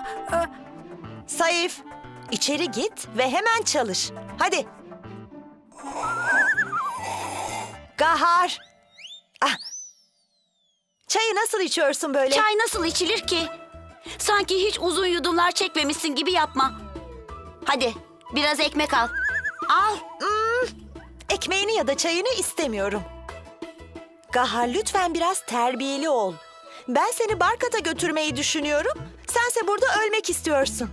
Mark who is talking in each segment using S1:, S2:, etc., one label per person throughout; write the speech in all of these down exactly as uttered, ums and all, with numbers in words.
S1: Saif, içeri git ve hemen çalış. Hadi. Gahar. Ah. Çayı nasıl içiyorsun böyle?
S2: Çay nasıl içilir ki? Sanki hiç uzun yudumlar çekmemişsin gibi yapma. Hadi biraz ekmek al. Al.
S1: Hmm, ekmeğini ya da çayını istemiyorum. Gahar, lütfen biraz terbiyeli ol. Ben seni Barkat'a götürmeyi düşünüyorum. Sense burada ölmek istiyorsun.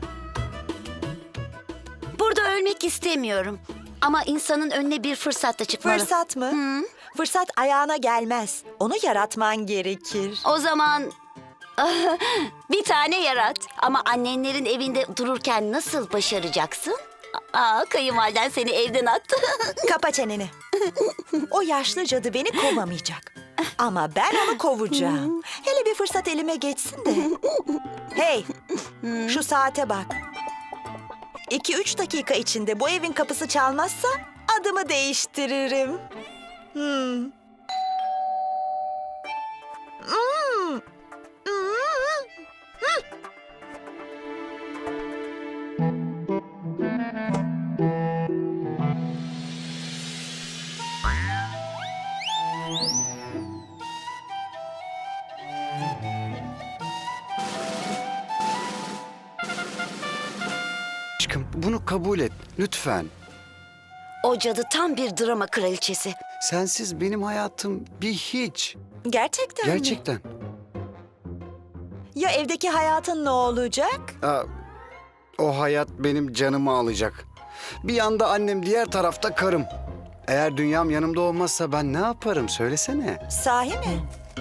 S2: Burada ölmek istemiyorum. Ama insanın önüne bir fırsat da çıkmalı.
S1: Fırsat mı?
S2: Hı.
S1: Fırsat ayağına gelmez. Onu yaratman gerekir.
S2: O zaman bir tane yarat. Ama annenlerin evinde dururken nasıl başaracaksın? Aa, kayınvaliden seni evden attı.
S1: Kapa çeneni. O yaşlı cadı beni kovamayacak. Ama ben onu kovacağım. Hele bir fırsat elime geçsin de. Hey, şu saate bak. İki üç dakika içinde bu evin kapısı çalmazsa adımı değiştiririm. Hmm. Hmm. Hmm.
S3: Aşkım, bunu kabul et lütfen.
S2: O cadı tam bir drama kraliçesi.
S3: Sensiz benim hayatım bir hiç.
S1: Gerçekten mi?
S3: Gerçekten.
S1: Ya evdeki hayatın ne olacak?
S3: Aa, o hayat benim canımı alacak. Bir yanda annem, diğer tarafta karım. Eğer dünyam yanımda olmazsa ben ne yaparım söylesene.
S1: Sahi mi?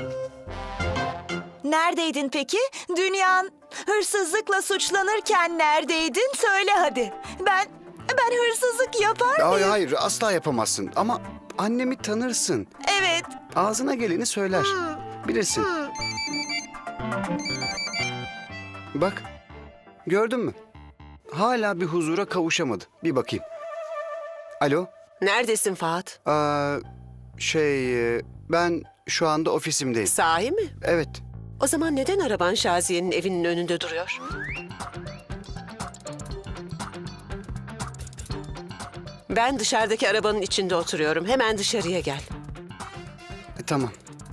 S1: Neredeydin peki? Dünyan hırsızlıkla suçlanırken neredeydin? Söyle hadi. Ben ben hırsızlık yapar mıyım?
S3: Hayır hayır asla yapamazsın ama annemi tanırsın.
S1: Evet.
S3: Ağzına geleni söyler. Bilirsin.
S1: Hmm.
S3: Bak gördün mü? Hala bir huzura kavuşamadı. Bir bakayım. Alo?
S4: Neredesin Fahat?
S3: Aa, şey e, ben şu anda ofisimdeyim.
S4: Sahi mi?
S3: Evet.
S4: O zaman neden araban Şaziye'nin evinin önünde duruyor? Ben dışarıdaki arabanın içinde oturuyorum. Hemen dışarıya gel.
S3: E, tamam.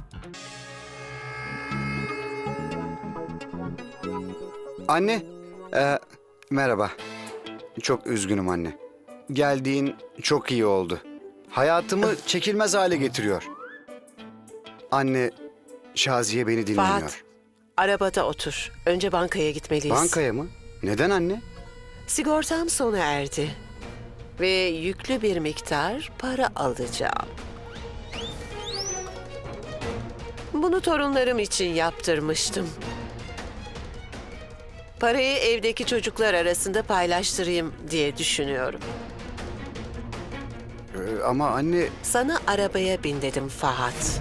S3: Anne, e, merhaba. Çok üzgünüm anne. Geldiğin çok iyi oldu. Hayatımı çekilmez hale getiriyor. Anne, Şaziye beni dinlemiyor.
S4: Fahat, arabada otur. Önce bankaya gitmeliyiz.
S3: Bankaya mı? Neden anne?
S4: Sigortam sona erdi. Ve yüklü bir miktar para alacağım. Bunu torunlarım için yaptırmıştım. Parayı evdeki çocuklar arasında paylaştırayım diye düşünüyorum.
S3: E, ama anne,
S4: Sana arabaya bin dedim Fahat.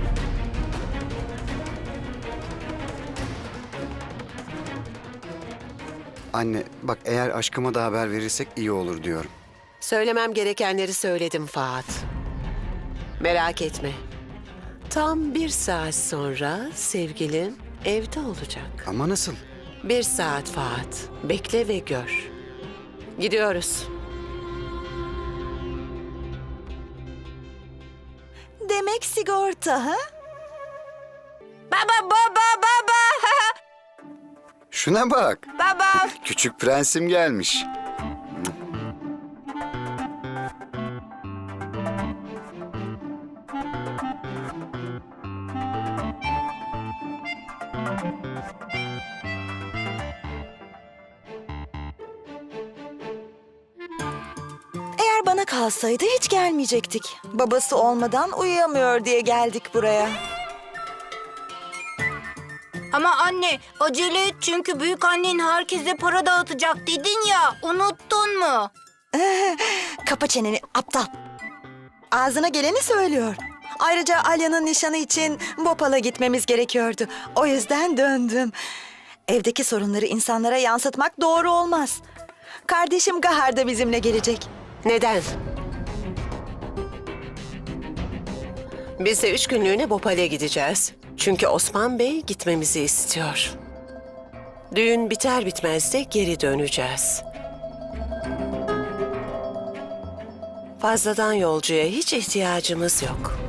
S3: anne bak eğer aşkıma da haber verirsek iyi olur diyorum.
S4: Söylemem gerekenleri söyledim Fahat. Merak etme. Tam bir saat sonra sevgilin evde olacak.
S3: Ama nasıl?
S4: Bir saat Fahat. Bekle ve gör. Gidiyoruz.
S1: Demek sigorta ha?
S2: Baba baba baba.
S3: Şuna bak.
S2: Baba.
S3: Küçük prensim gelmiş.
S1: Eğer bana kalsaydı hiç gelmeyecektik. Babası olmadan uyuyamıyor diye geldik buraya.
S5: Ama anne acele et çünkü büyük annen herkese para dağıtacak dedin ya, unuttun mu?
S1: Kapa çeneni aptal. Ağzına geleni söylüyor. Ayrıca Alya'nın nişanı için Bhopal'a gitmemiz gerekiyordu. O yüzden döndüm. Evdeki sorunları insanlara yansıtmak doğru olmaz. Kardeşim Gahar da bizimle gelecek.
S4: Neden? Biz de üç günlüğüne Bhopal'e gideceğiz. Çünkü Osman Bey gitmemizi istiyor. Düğün biter bitmez de geri döneceğiz. Fazladan yolcuya hiç ihtiyacımız yok.